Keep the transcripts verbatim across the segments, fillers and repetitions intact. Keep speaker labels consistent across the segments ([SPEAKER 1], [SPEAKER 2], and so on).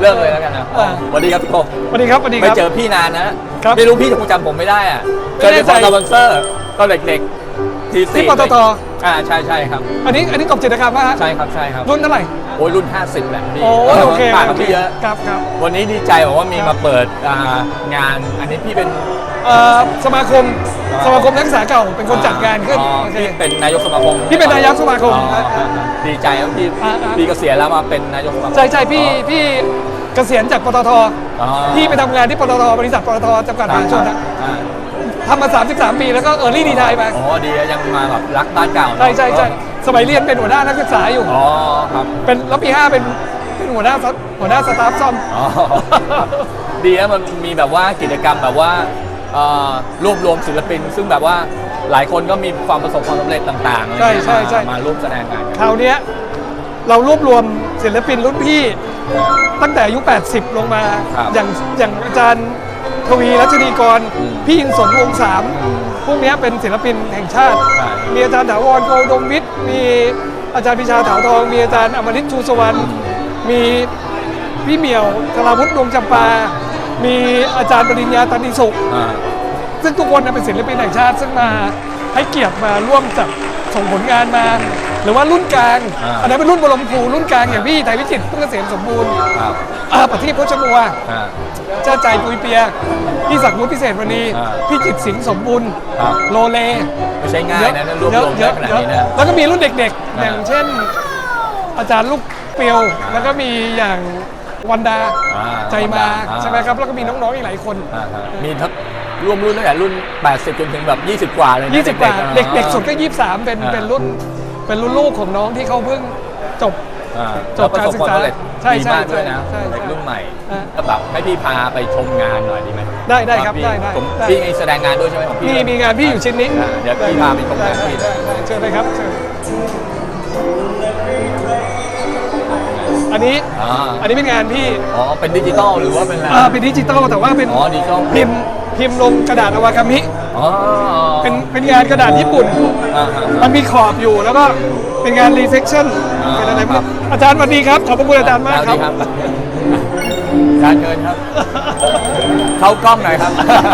[SPEAKER 1] เริ่มเลยแล้วกันนะสวัสดีครับพี่โก
[SPEAKER 2] สวัสดีครับสวัสดีค
[SPEAKER 1] ไม่
[SPEAKER 2] รับ
[SPEAKER 1] เจอพี่นานนะไม่รู้พี่จะคงจำผมไม่ได้อ่ะเจอในสปอนเซอร์ตอนเด็กๆทีสี่
[SPEAKER 2] ที่ปตท
[SPEAKER 1] อ่าใช่ใช่ครับ
[SPEAKER 2] อันนี้อันนี้กบจิตรกรรมป่ะฮะ
[SPEAKER 1] ใช่ครับใช่ครับ
[SPEAKER 2] รุ่นเท่าไหร่
[SPEAKER 1] โอ้ยรุ่นห้าสิบแหละพี่
[SPEAKER 2] โอ้โอเค
[SPEAKER 1] ต่างกับพี่เยอะ
[SPEAKER 2] ครับครับ
[SPEAKER 1] วันนี้ดีใจบอกว่ามีมาเปิดงานอันนี้พี่เป็น
[SPEAKER 2] สมาคมสมาคมนักศึกษาเก่าเป็นคนจัดงานขึ้น
[SPEAKER 1] พี่เป็นนายกสมาคม
[SPEAKER 2] พี่เป็นนายกสมาคม
[SPEAKER 1] ดีใจครับพี่พี่เกษียณแล้วมาเป็นนายกสมาคม
[SPEAKER 2] ใช่ใช่พี่พี่เกษียณจากปตทพี่ไปทำงานที่ปตทบริษัทปตทจำกัดมหาชนนะทำมาสามสิบสามปีแล้วก็เออร์ลี่ดีไทยไป
[SPEAKER 1] อ๋อดียังมาแบบรักบ้านเก่า
[SPEAKER 2] ใช่ใช่ใช่สมัยเรียนเป็นหัวหน้านักศึกษาอยู่
[SPEAKER 1] อ๋อครับ
[SPEAKER 2] เป็นแล้วปีห้าเป็นเป็นหัวหน้าหัวหน้าสตาฟซ่อม
[SPEAKER 1] ดีนะมันมีแบบว่ากิจกรรมแบบว่ารวบรวมศิลปินซึ่งแบบว่าหลายคนก็มีความประสบความสำเร็จต่างๆ
[SPEAKER 2] ใช่ใช่ใช่
[SPEAKER 1] มาร่วมแสดงงาน
[SPEAKER 2] คราวนี้เรารวบรวมศิลปินรุ่นพี่ตั้งแต่อายุแปดสิบลงมาอย่างอย่างอาจารย์ทวีรัชนีกรพี่ยินสนวงสามพวกนี้เป็นศิลปินแห่งชาติมีอาจารย์ถาวรโกดมวิทย์มีอาจารย์พิชาถาวทองมีอาจารย์อมฤตชูสวรรณมีพี่เหมียวธราวุฒิดวงจำปามีอาจารย์ปริญญาตันติสุขซึ่งทุกคนเป็นศิลปินแห่งชาติซึ่งมาให้เกียรติมาร่วมจัดส่งผลงานมาหรือว่ารุ่นกลางอันนั้นเป็นรุ่นบรมครูรุ่นกลางอย่างพี่ไทยวิจิตรพุ่งเกษมสมบูรณ์ปฏิพจน์มัวเจ้าใจปุยเปียพี่ศักดิ์วุฒิพิเศษวันนี้พี่จิตสิงห์สมบูรณ์โลเล
[SPEAKER 1] ไม่ใช่ง่ายนะรวบรวมเยอะขนาดนี้นะ
[SPEAKER 2] แล้วก็มีรุ่นเด็กๆอย่างเช่นอาจารย์ลูกเปียวแล้วก็มีอย่างวันดาใจมาใช่ไหมครับแล้วก็มีน้องๆอีกหลายคน
[SPEAKER 1] มีทั้งรวมรุ่นตั้งแต่รุ่นแปดสิบจนถึงแบบยี่สิบกว่าเลย
[SPEAKER 2] ยี่สิบกว่าเด็กๆสุดก็ยี่สิบสามเป็นเป็นรุ่นเป็นรุ่นลูกของน้องที่เขาเพิ่งจบ
[SPEAKER 1] จบการศึกษาใช่ใช่ด้วยนะเด็กรุ่นใหม่ก็แบบให้พี่พาไปชมงานหน่อยดีไหม
[SPEAKER 2] ได้ได้ครับได้ได้
[SPEAKER 1] พี่แสดงงานด้วยใช่ไหมของพี่
[SPEAKER 2] มีมีงานพี่อยู่ชิ้นนี้
[SPEAKER 1] เดี๋ยวพี่พาไปชมงานพี่
[SPEAKER 2] เชิญเลยครับเชิญอันนี้อันนี้เป็นงานพี่
[SPEAKER 1] อ๋อเป็นดิจิตอลหรือว่าเป็นอะไร
[SPEAKER 2] อ่าเป็นดิจิตอลแต่ว่าเป็น
[SPEAKER 1] อ๋อดิจิตอล
[SPEAKER 2] พิมพ์พิมพ์ลงกระดาษอวากามิอ๋อเป็นเป็นงานกระดาษญี่ปุ่นมันมีขอบอยู่แล้วก็เป็นงานรีเซคชั่นเป็นอะไรบ้างอาจารย์สวัสดีครับขอบคุณอาจารย์มากครับ
[SPEAKER 1] อาจารย์เชิญครับเข้ากล้องหน่อยครับ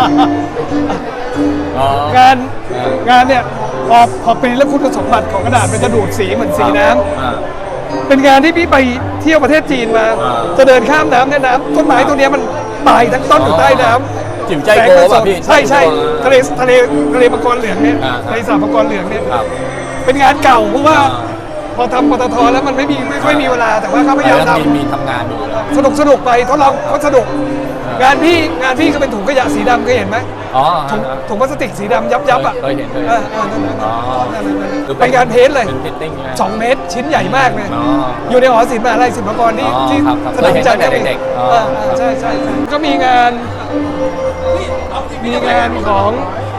[SPEAKER 2] งานงานเนี่ยพอพอเป็นแล้วคุณสมบัติของกระดาษมันจะดูดสีเหมือนสีน้ำเป็นงานที่พี่ไปเที่ยวประเทศจีนมาจะเดินข้ามน้ำเนี่ยน้ำต้นไม้ตัวนี้มันตายทั้งต้นอยู่ใต้น้ำ
[SPEAKER 1] จิ๋วใจโกป่ะพี่
[SPEAKER 2] ใช่ใช่ทะเลทะเลทะเลมังกรเหลืองเนี่ยทะเลสาบมังกรเหลืองเนี่ยเป็นงานเก่าเพราะว่าพอทำปตทแล้วมันไม่มีไม่ค่อยมีเวลาแต่ว่าเขาพยายามท
[SPEAKER 1] ำมีทำงานอยู่
[SPEAKER 2] สนุกสนุกไปทดลองก็สนุกงานพี่งานพี่ก็เป็นถุงขยะสีดำเคยเห็นไหม
[SPEAKER 1] อ๋อ
[SPEAKER 2] ถุงถุงพลาสติกสีดำยับยับอ่ะ
[SPEAKER 1] เคยเห็นเคย
[SPEAKER 2] เห็นเป็นงานเพ้นเลยสองเมตรชิ้นใหญ่มากเลยอยู่ในหอศิลป์มหาลัยศิลปากรที่ที่สนามจันทร์เด็กๆใช่ใช่ก็มีงานมีงานของ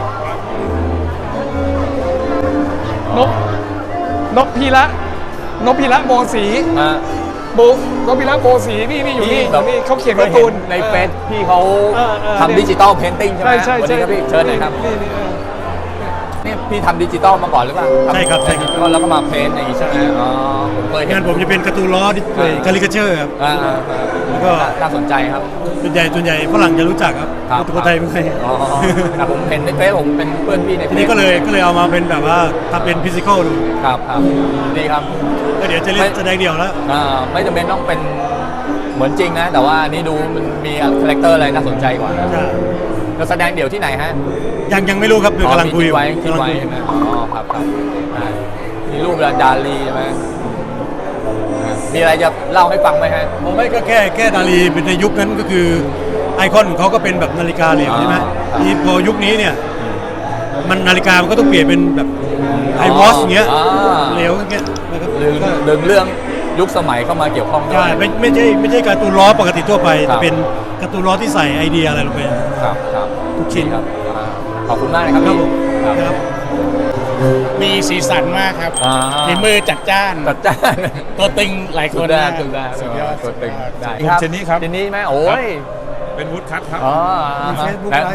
[SPEAKER 2] นกนกพีระนกพีระโบสีโบนกพีระโบสีนี่นี่อยู่นี่นี่เขาเขียนการ์ตูน
[SPEAKER 1] ในเฟซพี่เขาทำดิจิตอลเพนติ้งใช่ไหม
[SPEAKER 2] ใช่
[SPEAKER 1] ใช่พี่เชิญเลยครับนี่พี่ทำดิจิตอลมาก่อนหรือเปล่า
[SPEAKER 3] ใช่ครับใช่ครับ
[SPEAKER 1] แล้วก็มาเพนอย่างนี้ใช่ไหมอ๋อผมเคย
[SPEAKER 3] งานผมจะเป็นการ์ตูนล้อคาริคาเจอร์ครับ
[SPEAKER 1] แล้วก็น่าสนใจครับ
[SPEAKER 3] ส่วนใหญ่ส่วนใหญ่ฝรั่งจะรู้จักครับคนไทยไม่เคย
[SPEAKER 1] อ๋อแต่ผมเห็นในเฟซผมเป็นเพื่อนพี่ใน
[SPEAKER 3] ทีนี้ก็เลยก็เลยเอามาเป็นแบบว่าทำเป็นฟิสิกอลดู
[SPEAKER 1] ครับครับดีครับ
[SPEAKER 3] ก็เดี๋ยวจะเล่นแสดงเดี่ยวแล้ว
[SPEAKER 1] ไม่จำเป็นต้องเป็นเหมือนจริงนะแต่ว่านี่ดูมันมีคาแรคเตอร์อะไรน่าสนใจกว่าจะแสดงเดี่ยวที่ไหนฮะ
[SPEAKER 3] ยังยังไม่รู้ครับเดี๋ยวกำลังคุย
[SPEAKER 1] ไว้คิดไว้ใช่ไหมอ๋อครับครับมีรูปดาลีใช่ไหมมีอะไรจะเล่าให้ฟังไหมฮะ
[SPEAKER 3] ผมไม่ก็แค่แค่ดาลีเป็นในยุคนั้นก็คือไอคอนของเขาก็เป็นแบบนาฬิกาเหลวใช่ไหมที่พอยุคนี้เนี่ยมันนาฬิกามันก็ต้องเปลี่ยนเป็นแบบไอวอชเงี้ยเหลวเงี้ยนะครับ
[SPEAKER 1] ดึงเรื่องยุคสมัยเข้ามาเกี่ยวข้อง
[SPEAKER 3] ใช่ไม่ไม่ใช่ไม่ใช่การ์ตูนล้อปกติทั่วไปเป็นการ์ตูนล้อที่ใส่ไอเดียอะไรลงไป
[SPEAKER 1] ครับครับ
[SPEAKER 3] ทุกชิ้น
[SPEAKER 1] ครับขอบคุณมากนะครับพี่
[SPEAKER 3] ครับ
[SPEAKER 4] มีสีสันมากครับฝีมือจัดจ้าน
[SPEAKER 1] จัดจ้าน
[SPEAKER 4] ตัวตึงหลายคน
[SPEAKER 1] ได้สุดยอดตัวตึงได้ครับ
[SPEAKER 4] เจนนี่ครับ
[SPEAKER 1] เจนนี่ไหมโอ้ย
[SPEAKER 4] เป็นวูดคัทครับ
[SPEAKER 1] อ๋อ
[SPEAKER 3] มีเฟซบุ๊กไลฟ์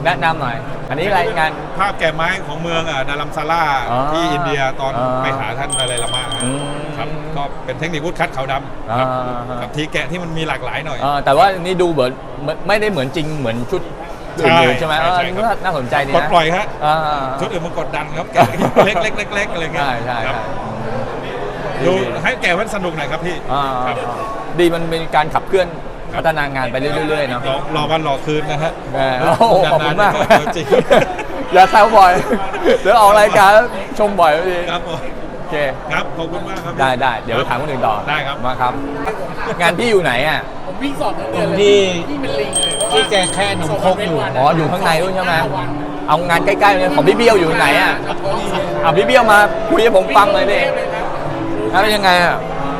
[SPEAKER 1] แนะนำหน่อย อันนี้รายงาน
[SPEAKER 5] ภาพแก่ไม้ของเมืองอ่ะดารัมซาร่า
[SPEAKER 1] อ๋อ
[SPEAKER 5] ที่อินเดียตอน
[SPEAKER 1] อ่า
[SPEAKER 5] ไปหาท่านดาไลลามะ
[SPEAKER 1] อืม
[SPEAKER 5] ครับก็เป็นเทคนิควุดคัดขาวดำ
[SPEAKER 1] อ่า
[SPEAKER 5] ครับกับทีแกะที่มันมีหลากหลายหน่อย
[SPEAKER 1] เออแต่ว่านี่ดูเหมือนไม่ไม่ได้เหมือนจริงเหมือนชุดอื่นๆใช่ไหม
[SPEAKER 5] ใช่
[SPEAKER 1] เออ
[SPEAKER 5] ใช่
[SPEAKER 1] นี่
[SPEAKER 5] ครับ
[SPEAKER 1] ก็น่าสนใจดี
[SPEAKER 5] ปลด
[SPEAKER 1] นะ
[SPEAKER 5] ปล่อยฮะ
[SPEAKER 1] อ่า
[SPEAKER 5] ชุดอื่นมันกดดันครับแกะเล็กเล็กเล็กเล็กอะไรเงี้ย
[SPEAKER 1] ใช่ใช่
[SPEAKER 5] ครั
[SPEAKER 1] ใช่
[SPEAKER 5] บดูให้แกะมันสนุกหน่อยครับพี่
[SPEAKER 1] อ่า
[SPEAKER 5] ครับ
[SPEAKER 1] ดีมันเป็นการขับเคลื่อนพัฒนางานไปเรื่อยๆเนาะ
[SPEAKER 5] รอรอวันรอคืนนะฮะ
[SPEAKER 1] แหมโอ้โหขอบคุณมาก
[SPEAKER 5] นนๆจริง
[SPEAKER 1] อย่าแซวบ่อย เดี๋ยวออกรายการแล้วชมบ่อยไม่ดี
[SPEAKER 5] ครับผม
[SPEAKER 1] โอเค
[SPEAKER 5] ครับขอบคุณมากครับ
[SPEAKER 1] ได้ได้เดี๋ยวถามคนอื่นต่อ
[SPEAKER 5] ได้ครับ
[SPEAKER 1] มาครับ งานพี่อยู่ไหนอ่ะ
[SPEAKER 4] ผมวิ่งสอบทั้งเดือนเลย
[SPEAKER 6] ที่
[SPEAKER 4] ที่เป็นลิงเลย
[SPEAKER 6] ที่แกแค่หนมครกอยู่
[SPEAKER 1] อ๋ออยู่ข้างในด้วยใช่ไหมเอางานใกล้ๆเลยของพี่เบี้ยวอยู่ไหนอ่ะอ่ะพี่เบี้ยวมาคุยให้ผมฟังเลยดิแล้วเป็นยังไงอ่ะ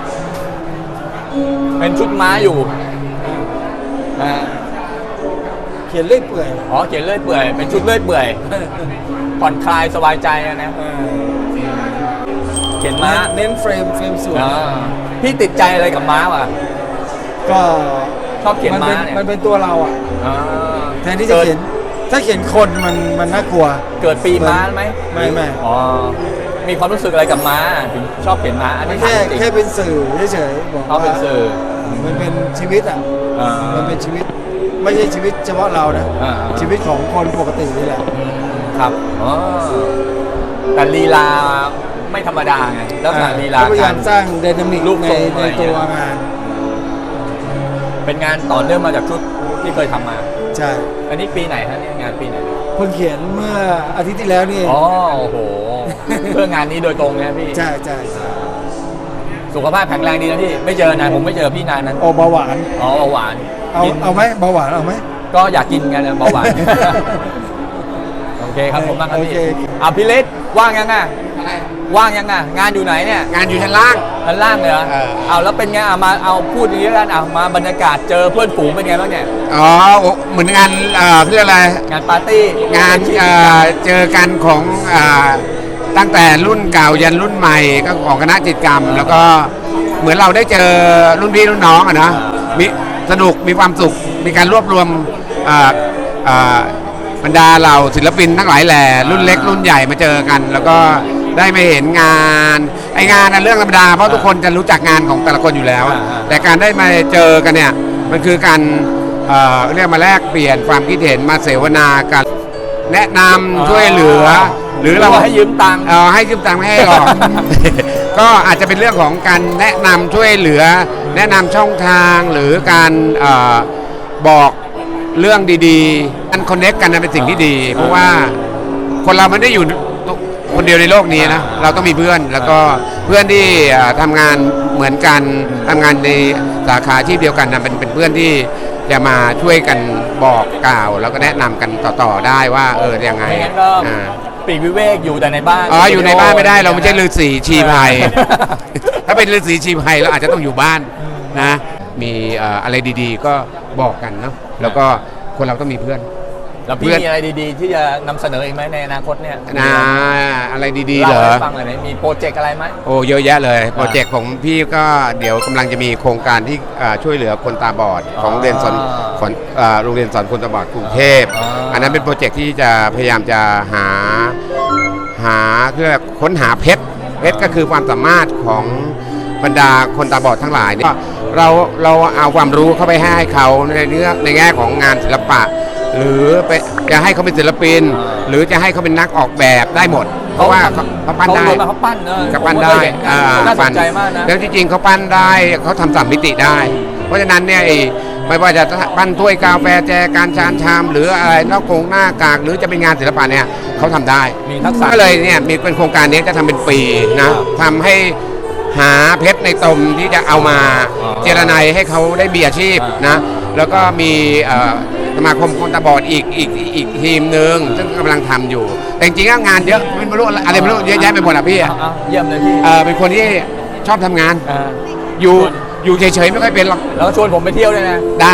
[SPEAKER 1] เป็นชุดม้าอยู่นะฮะ
[SPEAKER 6] เขียนเลื่อยเปื่อย
[SPEAKER 1] อ๋อเขียนเลื่อยเปื่อยเป็นชุดเลื่อยเปื่อยผ่อนคลายสบายใจอะนะเขียนม้า
[SPEAKER 6] เน้นเฟรมเฟรมสวย
[SPEAKER 1] อ่าพี่ติดใจอะไรกับม้าวะ
[SPEAKER 6] ก็
[SPEAKER 1] ชอบเขียน
[SPEAKER 6] มัน
[SPEAKER 1] ม้า
[SPEAKER 6] เป็น
[SPEAKER 1] เนี่ย
[SPEAKER 6] มันเป็นตัวเราอ่ะ
[SPEAKER 1] อ่า
[SPEAKER 6] แทนที่จะเขียน ถ้าเขียนคนมันมันน่ากลัว
[SPEAKER 1] เกิดปีม้าไหม
[SPEAKER 6] ไม่ไม่
[SPEAKER 1] อ๋อมีความรู้สึกอะไรกับม้าถึงชอบเขียนม้าอัน
[SPEAKER 6] มั
[SPEAKER 1] นี้
[SPEAKER 6] นแค่
[SPEAKER 1] ถามจริง
[SPEAKER 6] แค่เป็นสื่อเฉยๆบอก
[SPEAKER 1] เขาเป็น
[SPEAKER 6] ว่า
[SPEAKER 1] สื่อ
[SPEAKER 6] มันเป็นชีวิตอ่ะ
[SPEAKER 1] อ่า
[SPEAKER 6] มันเป็นชีวิต ไม่ใช่ชีวิตเฉพาะเรานะ
[SPEAKER 1] อ่า
[SPEAKER 6] ชีวิตของคนปกตินี่แหละ
[SPEAKER 1] อืมครับอ๋อแต่ลีลาไม่ธรรมดาไงแล้วสถานลีลา
[SPEAKER 6] ก็พยายาม
[SPEAKER 1] การ
[SPEAKER 6] สร้างไดนามิก
[SPEAKER 1] รูป
[SPEAKER 6] ใน
[SPEAKER 1] ทรง
[SPEAKER 6] ใน
[SPEAKER 1] อะไร
[SPEAKER 6] ตัว
[SPEAKER 1] เงี้ย
[SPEAKER 6] งาน
[SPEAKER 1] เป็นงานต่อเนื่องมาจากชุดที่เคยทำมา
[SPEAKER 6] ใช่
[SPEAKER 1] อันนี้ปีไหนฮะเนี่ยงานปีไหน
[SPEAKER 6] เพิ่งเขียนเมื่ออาทิตย์ที่แล้วนี่เอง
[SPEAKER 1] อ๋อโอ้โห เพื่องานนี้โดยตรงนะพี่
[SPEAKER 6] ใช่ใช่ใช่
[SPEAKER 1] สุขภาพแข็งแรงดีนะพี่ ไม่เจอนานผมไม่เจอพี่นานนั้น
[SPEAKER 6] โอเบาหวาน
[SPEAKER 1] อ๋อเบาหวาน
[SPEAKER 6] เอา
[SPEAKER 1] กิน
[SPEAKER 6] เอาไหมเบาหวานเอาไหม
[SPEAKER 1] ก็อยากกินกันนะเบาหวาน โอเคครับผมมากครับพี่
[SPEAKER 6] โอเค
[SPEAKER 1] อ่ะพี่เล็กว่างยังอ่ะว่างยังอ่ะงานอยู่ไหนเนี่ย
[SPEAKER 4] งานอยู่ชั้นล่าง
[SPEAKER 1] ด้านล่างเลยเหรอ
[SPEAKER 4] เออ
[SPEAKER 1] เอาแล้วเป็นไงอ่ะมาเอาพูดอย่างนี้แล้วกันอ่ะมาบรรยากาศเจอเพื่อนฝูงเป็นไงบ้างเนี่ย
[SPEAKER 4] อ๋อเหมือนงานเอ่อเขาเรียกอะไร
[SPEAKER 1] งานปาร์ตี้
[SPEAKER 4] งานเอ่อเจอกันของเอ่อตั้งแต่รุ่นเก่ายันรุ่นใหม่ก็ของคณะจิตรกรรม แล้วก็เหมือนเราได้เจอรุ่นพี่รุ่นน้องอะนะมีสนุกมีความสุขมีการรวบรวมเอ่อเอ่อบรรดาเหล่าศิลปินทั้งหลายแหล่รุ่นเล็กรุ่นใหญ่มาเจอกัน แล้วก็ได้มาเห็นงานไองานนะเรื่องธรรมดาเพราะทุกคนจะรู้จักงานของแต่ละคนอยู่แล้ว แต่การได้มาเจอกันเนี่ยมันคือการเอ่อเรียกมาแลกเปลี่ยนความคิดเห็นมาเสวนากัน แนะนำช่วยเหลือ หรือเรา
[SPEAKER 1] ให้ยืมตังค์
[SPEAKER 4] เออให้ยืมตังค์ไม่ให้หรอก ก็อาจจะเป็นเรื่องของการแนะนำช่วยเหลือ แนะนำช่องทางหรือการเออบอกเรื่องดีๆการคอนเนคกันนะเป็นสิ่งที่ดี เพราะว่าคนเราไม่ได้อยู่คนเดียวในโลกนี้นะเราต้องมีเพื่อนแล้วก็เพื่อนที่เอ่อทำงานเหมือนกันทำงานในสาขาอาชีพเดียวกันนะเป็นเป็นเพื่อนที่จะมาช่วยกันบอกกล่าว แล้วก็แนะนำกันต่อๆได้ว่าเออยังไง
[SPEAKER 1] ไม่งั้นก็
[SPEAKER 4] อ่า
[SPEAKER 1] ปีกวิเวกอยู่แต่ในบ้าน
[SPEAKER 4] อ๋ออยู่ในบ้านไม่ได้เราไม่ใช่ฤาษีชีภัย ถ้าเป็นฤาษีชีภัยเราอาจจะต้องอยู่บ้านนะ มีเอ่ออะไรดีๆ ก็บอกกันเนาะแล้วก็คนเราต้องมีเพื่อน
[SPEAKER 1] แล้วพี่
[SPEAKER 4] เพื่อน
[SPEAKER 1] มีอะไรดีๆ ที่จะนำเสนออีกไหมในอนาคตเนี่ย
[SPEAKER 4] นะอะไรดีๆเหร
[SPEAKER 1] เล่า
[SPEAKER 4] อ
[SPEAKER 1] ให้ฟังหน่อยไหมมีโปรเจกต์อะไรไหม
[SPEAKER 4] โอ้เยอะแยะเลย โปรเจกต์ของพี่ก็เดี๋ยวกำลังจะมีโครงการที่เอ่อช่วยเหลือคนตาบอดของโรงเรียนสอนของเอ่อโรงเรียนสอนคนตาบอดกรุงเทพ
[SPEAKER 1] อ่า
[SPEAKER 4] อันนั้นเป็นโปรเจกต์ที่จะพยายามจะหาหาเพื่อค้นหาเพชรเพชรก็คือความสามารถของบรรดาคนตาบอดทั้งหลายเนี่ยเราเราเอาความรู้เข้าไปให้เขาในเรื่องในแง่ของงานศิลปะ หรือไปจะให้เขาเป็นศิลปิน หรือจะให้เขาเป็นนักออกแบบได้หมด เพราะว่าเขาเขาปั้นได้
[SPEAKER 1] เขาเขาปั้นเออ
[SPEAKER 4] เขาปั้นได้
[SPEAKER 1] ผมเคยเห็น
[SPEAKER 4] อ่า
[SPEAKER 1] น่าส
[SPEAKER 4] ปั้
[SPEAKER 1] นใจมากนะ
[SPEAKER 4] แล้วที่จริงเขาปั้นได้เขาทำสามมิติได้ เพราะฉะนั้นเนี่ยไอ้ไม่ว่าจะปั้นถ้วยกาแฟแจการชานชาม หรืออะไรนอกโครงหน้ากากหรือจะเป็นงานศิลปะเนี่ยเขาทำได้
[SPEAKER 1] มีทักษะ
[SPEAKER 4] ก็เลยเนี่ยมีเป็นโครงการนี้จะทำเป็นปีนะทำให้หาเพชรในตมที่จะเอามา
[SPEAKER 1] อ๋อ
[SPEAKER 4] เจรไนให้เขาได้มีอาชีพนะแล้วก็มีเอ่อสมาคมคนตาบอดอีกอีกอีกทีมหนึ่งซึ่งกำลังทำอยู่ แต่จริงๆแล้วงานเยอะไม่รู้อะไรไม่รู้เยอะแยะไปหมดอ่ะพี่
[SPEAKER 1] เอาเอาเยี่ยมเลยพี่
[SPEAKER 4] เอ่อเป็นคนที่ชอบทำงาน
[SPEAKER 1] อ่า
[SPEAKER 4] อยู่อยู่เฉยๆไม่ค่อยเป็นหรอก
[SPEAKER 1] แล้วก็ชวนผมไปเที่ยวด้วยนะ
[SPEAKER 4] ได้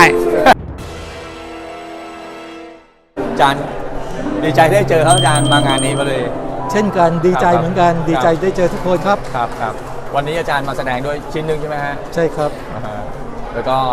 [SPEAKER 1] อาจารย์ดีใจได้เจอครับอาจารย์มางานนี้มาเลย
[SPEAKER 6] เช่นกันดีใจ
[SPEAKER 1] ครับ
[SPEAKER 6] เหมือนกัน ดีใจได้เจอทุกคนครับ
[SPEAKER 1] ครับครับวันนี้อาจารย์มาแสดงด้วยชิ้นหนึ่งใช่ไหมฮะ
[SPEAKER 6] ใช่ครับ
[SPEAKER 1] อ่าฮะแล้วก็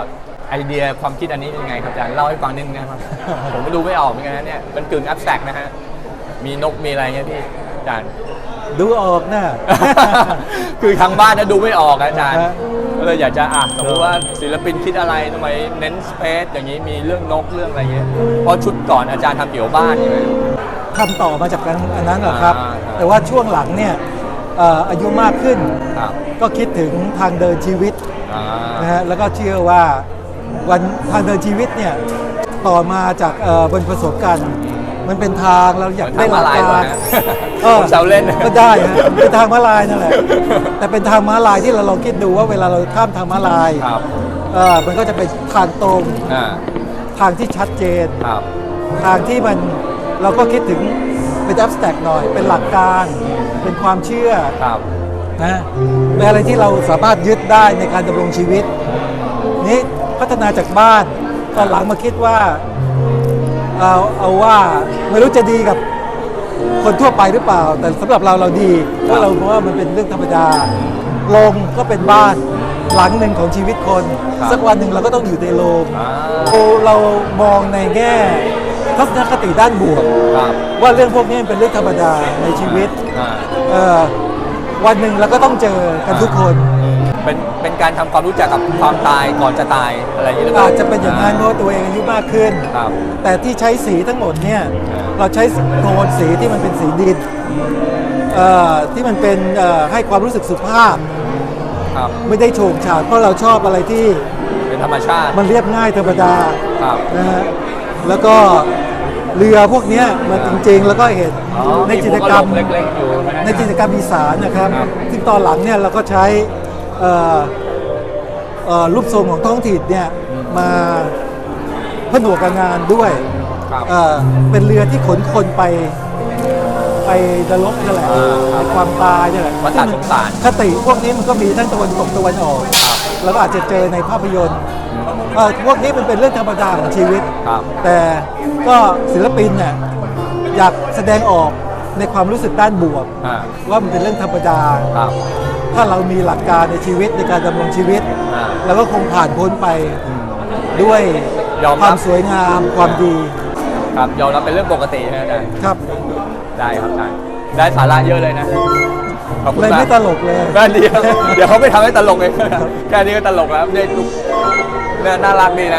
[SPEAKER 1] ไอเดียความคิดอันนี้เป็นยังไงครับอาจารย์เล่าให้ฟังนิดนึงนะครับ ผมไม่ดูไม่ออกเหมือนกันนะเนี่ยมันกึ่งแอบแตกนะฮะมีนกมีอะไรเงี้ยพี่อาจารย์
[SPEAKER 6] ดูออกนะ
[SPEAKER 1] คือทางบ้านนะดูไม่ออกอะอาจารย์
[SPEAKER 6] ฮะ
[SPEAKER 1] ก็เลยอยากจะอ่ะสมมติว่าศิลปินคิดอะไรทำไมเน้นสเปซอย่างนี้มีเรื่องนกเรื่องอะไรเงี้ยเพราะชุดก่อนอาจารย์ทำเกี่ยวกับบ้านใช่ไหม
[SPEAKER 6] ทำต่อมาจากกันอันนั้นเหรอครับ
[SPEAKER 1] อ่าครับ
[SPEAKER 6] แต่ว่าช่วงหลังเนี่ยเอ่ออายุมากขึ้น
[SPEAKER 1] ครับ
[SPEAKER 6] ก็คิดถึงทางเดินชีวิต
[SPEAKER 1] อ่า
[SPEAKER 6] นะฮะแล้วก็เชื่อว่าวันทางเดินชีวิตเนี่ยต่อมาจากเอ่อบนประสบการณ์มันเป็นทางเราอยาก
[SPEAKER 1] เหมื
[SPEAKER 6] ได้
[SPEAKER 1] อน
[SPEAKER 6] หลัก
[SPEAKER 1] ทางม้าลาย
[SPEAKER 6] การ
[SPEAKER 1] เหรอฮะ
[SPEAKER 6] ออ
[SPEAKER 1] ผมแซวเล่น
[SPEAKER 6] ก็ได้ฮะเป็นทางม้าลายนั่นแหละแต่เป็นทางม้าลายที่เราลองคิดดูว่าเวลาเราข้ามทางม้าลาย
[SPEAKER 1] ครับ
[SPEAKER 6] เออมันก็จะเป็นทางตรง
[SPEAKER 1] อ่า
[SPEAKER 6] ทางที่ชัดเจน
[SPEAKER 1] ครับ
[SPEAKER 6] ทางที่มันเราก็คิดถึงเป็นแอบสแต็กหน่อย เป็นหลักการ เป็นความเชื่อ
[SPEAKER 1] ครับ
[SPEAKER 6] นะเป็นอะไรที่เราสามารถยึดได้ในการดำรงชีวิต นี้พัฒนาจากบ้านตอนหลังมาคิดว่าเอาเอาว่าไม่รู้จะดีกับคนทั่วไปหรือเปล่า แต่สำหรับเราเราดีเพราะเราเพราะว่ามันเป็นเรื่องธรรมดาโรงก็เป็นบ้านหลังหนึ่งของชีวิตคน
[SPEAKER 1] ครับ
[SPEAKER 6] สักวันหนึ่งเราก็ต้องอยู่ในโรง
[SPEAKER 1] อ่า
[SPEAKER 6] เราเรามองในแง่ทัศนคติด้านบวก
[SPEAKER 1] ครับ
[SPEAKER 6] ว่าเรื่องพวกนี้เป็นเรื่องธรรมดาในชีวิต
[SPEAKER 1] อ่า
[SPEAKER 6] เอ่อวันหนึ่งเราก็ต้องเจอกันทุกคน
[SPEAKER 1] เป็นเป็นการทำความรู้จักกับความตายก่อนจะตายอะไรอย่างนี้หรือเปล่า
[SPEAKER 6] อาจจะเป็นอย่างนั้นเพราะว่าตัวเองอายุมากขึ้น
[SPEAKER 1] ครับ
[SPEAKER 6] แต่ที่ใช้สีทั้งหมดเนี่ย
[SPEAKER 1] อ่า
[SPEAKER 6] เราใช้โทนสีที่มันเป็นสีดินเอ่อที่มันเป็นเอ่อให้ความรู้สึกสุภาพ
[SPEAKER 1] ครับ
[SPEAKER 6] ไม่ได้โฉงฉาดเพราะเราชอบอะไรที่
[SPEAKER 1] เป็นธรรมชาติ
[SPEAKER 6] มันเรียบง่ายธรรมดา
[SPEAKER 1] ครับ
[SPEAKER 6] นะฮะแล้วก็เรือพวกเนี้ยมันจริงๆ แล้วก็เห็น
[SPEAKER 1] อ๋อ
[SPEAKER 6] ในจิตรกรรม
[SPEAKER 1] มีหัวกะโหลกเล็กๆอยู่นะฮะ
[SPEAKER 6] ในจิตรกรรมอีสานนะครับ
[SPEAKER 1] ครับ
[SPEAKER 6] ซึ่งตอนหลังเนี่ยเราก็ใช้เอ่อเอ่อรูปทรงของท้องถิ่นเนี่ยมาผนวกกับงานด้วย
[SPEAKER 1] ครับ
[SPEAKER 6] เอ่อเป็นเรือที่ขนคนไปไปนรกนั่นแหละ
[SPEAKER 1] อ่าครับ
[SPEAKER 6] ในความตายนี่แหละ
[SPEAKER 1] วัฏสงสาร
[SPEAKER 6] คติพวกนี้มันก็มีทั้งตะวันตกตะวันออกแล้วก็อาจจะเจอในภาพยนตร์เอ่อพวกนี้มันเป็นเรื่องธรรมดาของชีวิต
[SPEAKER 1] ครับ
[SPEAKER 6] แต่ก็ศิลปินเนี่ยอยากแสดงออกในความรู้สึกด้านบวก
[SPEAKER 1] อ่า
[SPEAKER 6] ว่ามันเป็นเรื่องธรรมดา
[SPEAKER 1] ครับ
[SPEAKER 6] ถ้าเรามีหลักการในชีวิตในการดำรงชีวิต
[SPEAKER 1] อ่า
[SPEAKER 6] เราก็คงผ่านพ้นไปด้วย
[SPEAKER 1] ยอมรับ
[SPEAKER 6] ความสวยงามความดี
[SPEAKER 1] ครับยอมรับเป็นเรื่องปกตินะอาจารย์
[SPEAKER 6] ครับ
[SPEAKER 1] ได้ครับอาจารย์ได้สาระเยอะเลยนะขอบคุณ
[SPEAKER 6] เลย
[SPEAKER 1] มาก
[SPEAKER 6] ไม่ตลกเลย
[SPEAKER 1] แค่นี้ครับเดี๋ยวเขาไม่ทำให้ตลกเองแค่นี้ก็ตลกแล้วเนี่ยลูกเนี่ยน่ารักดีนะ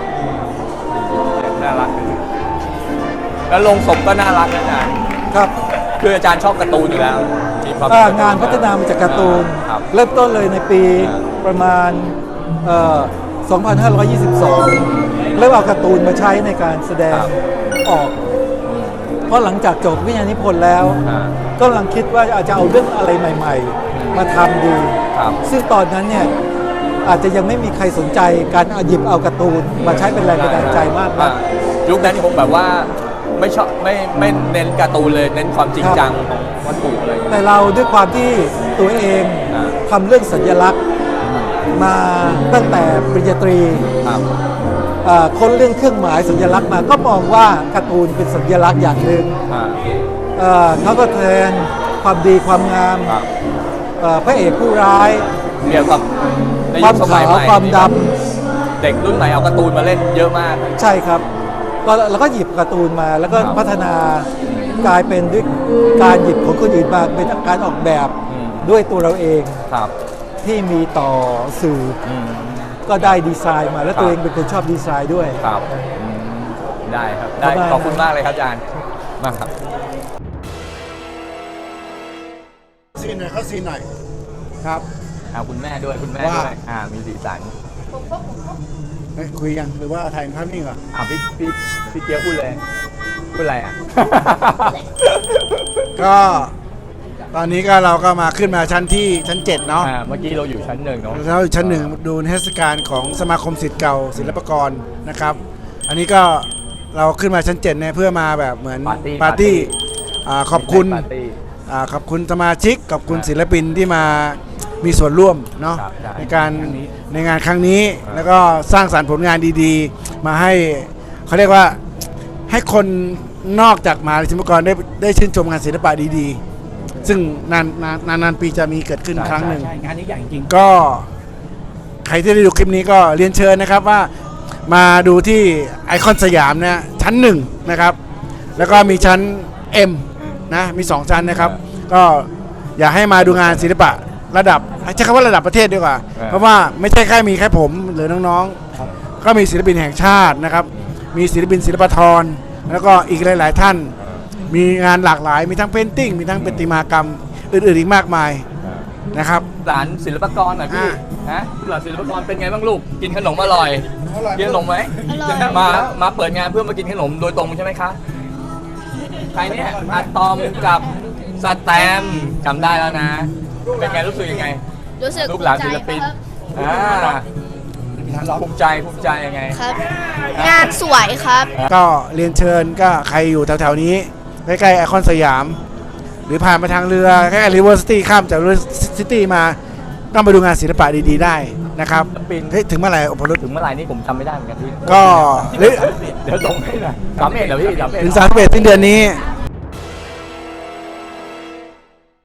[SPEAKER 1] น่ารักดีแล้วลงศพก็น่ารักนะอาจารย์
[SPEAKER 6] ครับ
[SPEAKER 1] คืออาจารย์ชอบการ์ตูนอยู่แล้วมีความ
[SPEAKER 6] อ่างานพัฒนามาจากการ์ตูน
[SPEAKER 1] ครับ
[SPEAKER 6] เริ่มต้นเลยในปี
[SPEAKER 1] อ่า
[SPEAKER 6] ประมาณเอ่อสองพันห้าร้อยยี่สิบสองเริ่มเอาการ์ตูนมาใช้ในการแสดงออก เพราะหลังจากจบวิทยานิพนธ์แล้ว
[SPEAKER 1] อ่า
[SPEAKER 6] ก็กำลังคิดว่าอาจจะเอาเรื่องอะไรใหม่ ๆ มาทำดี
[SPEAKER 1] ครับ
[SPEAKER 6] ซึ่งตอนนั้นเนี่ยอาจจะยังไม่มีใครสนใจการเอาหยิบเอาการ์ตูนมาใช้เป็นแรงบันดาลใจมากนะ
[SPEAKER 1] อ่ยุคนั้นผมแบบว่าไม่ชอบไม่ไม่เน้นการ์ตูนเลยเน้นความจริงจังของวัตถุอะไรอย่างเงี้ย
[SPEAKER 6] แต่เราด้วยความที่ตัวเอง
[SPEAKER 1] อ่า
[SPEAKER 6] ทำเรื่องสัญลักษณ์มาตั้งแต่ปริญญาตรี
[SPEAKER 1] ครับ
[SPEAKER 6] เอ่อค้นเรื่องเครื่องหมายสัญลักษณ์มาก็มองว่าการ์ตูนเป็นสัญลักษณ์อย่างหนึ่ง
[SPEAKER 1] อ่า
[SPEAKER 6] เอ่อเขาก็แทนความดีความงาม
[SPEAKER 1] ครับ
[SPEAKER 6] เอ่อพระเอกผู้ร้าย
[SPEAKER 1] เกี่ยวกับใน
[SPEAKER 6] ค
[SPEAKER 1] ยุ
[SPEAKER 6] วาม
[SPEAKER 1] คสมั
[SPEAKER 6] ขา
[SPEAKER 1] ยว ใหม่
[SPEAKER 6] ความด
[SPEAKER 1] เด็กรุ่นใหม่เอาการ์ตูนมาเล่นเยอะมาก
[SPEAKER 6] ำใช่ครับก็เราก็หยิบการ์ตูนมาแล้วก็
[SPEAKER 1] ครับ
[SPEAKER 6] พัฒนากลายเป็นด้วยการหยิบของคนอื่นมาเป็นการออกแบบ
[SPEAKER 1] อืม
[SPEAKER 6] ด้วยตัวเราเอง
[SPEAKER 1] ครับ
[SPEAKER 6] ที่มีต่อสื่อ
[SPEAKER 1] อืม
[SPEAKER 6] ก็ได้ดีไซน์มาแล้ว
[SPEAKER 1] ครับ
[SPEAKER 6] ตัวเองเป็นคนชอบดีไซน์ด้วย
[SPEAKER 1] ครับอืมได้ครับได้
[SPEAKER 6] ประมาณ
[SPEAKER 1] ขอบคุณมากเลยครับอาจารย์มากครับ
[SPEAKER 7] ซีนหน่อยเขาซีนหน่อย
[SPEAKER 4] ครับ
[SPEAKER 1] เอาคุณแม่ด้วยคุณแม่
[SPEAKER 7] ว่า
[SPEAKER 1] ด้วยอ่ามีสีสัน
[SPEAKER 7] เฮ้ยคุยยังหรือว่าถ่ายภาพนิ่งเหรอ
[SPEAKER 1] อ่าพี่พี่พี่เกียวพูดเลยพูดอะไรอ่ะ
[SPEAKER 7] ก็ตอนนี้ก็เราก็มาขึ้นมาชั้นที่ชั้นเจ็ดเนาะ
[SPEAKER 1] อ่าเมื่อกี้เราอยู่ชั้นหนึ่งเนาะ
[SPEAKER 7] เราอยู่ชั้นหนึ่งดูนิทรรศการของสมาคมศิษย์เก่าศิลปากรนะครับ อันนี้ก็เราขึ้นมาชั้นเจ็ดเนี่ยเพื่อมาแบบเหมือน
[SPEAKER 1] ปาร์ตี้
[SPEAKER 7] ปาร์ตี้อ่าขอบคุณ
[SPEAKER 1] ปาร์ตี้
[SPEAKER 7] อ่าขอบคุณสมาชิกขอบคุณ
[SPEAKER 1] ครับ
[SPEAKER 7] ศิลปินที่มามีส่วนร่วมเนาะ
[SPEAKER 1] ครับใช่
[SPEAKER 7] ในการ
[SPEAKER 1] ครั้งนี้
[SPEAKER 7] ในงานครั้งนี้
[SPEAKER 1] ครับ
[SPEAKER 7] แล้วก็สร้างสรรค์ผลงานดีๆ มาให้เขาเรียกว่าให้คนนอกจากมหาศิลปากรได้ได้ชื่นชมงานศิลปะดีๆ ซึ่งนานนานนานนานปีจะมีเกิดขึ้นครั้งหนึ่ง
[SPEAKER 6] งานนี้ใหญ่จริง
[SPEAKER 7] ก็ใครที่ได้ดูคลิปนี้ก็เรียนเชิญนะครับว่ามาดูที่ไอคอนสยามนะชั้นหนึ่งนะครับแล้วก็มีชั้น M นะมีสองชั้นนะครับก็อยากให้มาดูงานศิลปะระดับใช้คำว่าระดับประเทศดีกว่าเพราะว่าไม่ใช่แค่มีแค่ผมหรือน้องๆก็มีศิลปินแห่งชาตินะครับมีศิลปินศิลปธรแล้วก็อีกหลายๆท่านมีงานหลากหลายมีทั้งเพนติ้งมีทั้งประติมากรรมอื่นๆอีกมากมายนะครับ
[SPEAKER 1] หลานศิลปากรหน่อยพี่
[SPEAKER 7] อ่า
[SPEAKER 1] ฮะหลานศิลปากรเป็นไงบ้างลูกกินขนมอร่อยกินขนมไหม
[SPEAKER 8] อร่อย
[SPEAKER 1] มามาเปิดงานเพื่อมากินขนมโดยตรงใช่ไหมคะใครเนี่ยอะตอมกับสแตมป์จำได้แล้วนะ เป็นไงรู้สึกยังไง
[SPEAKER 8] รู้สึก
[SPEAKER 1] ลูกหลานศิลปิน
[SPEAKER 8] ภูมิใจ
[SPEAKER 1] อ่าภูมิใจภูมิใจยังไง
[SPEAKER 8] ครับ งานสวยครับ
[SPEAKER 7] ก็เรียนเชิญก็ใครอยู่แถวๆนี้ใกล้ๆไอคอนสยาม หรือผ่านมาทางเรือใกล้ๆริเวอร์ซิตี้ข้ามจากริเวอร์ซิตี้มาต้องไปดูงานศิลปะดีๆได้นะครับ
[SPEAKER 1] ศิลปิน
[SPEAKER 7] เฮ้ยถึงเมื่อไหร่อพรุษ
[SPEAKER 1] ถึงเมื่อไหร่นี่ผมจำไม่ได้เหมือนกันพี่
[SPEAKER 7] ก็หรือ
[SPEAKER 1] เดี๋ยวส่งให้หน่อยสามเอ็ดเหรอพี่สามเอ็ด
[SPEAKER 7] ถึงสามสิบเอ็ดสิ้นเดือนนี้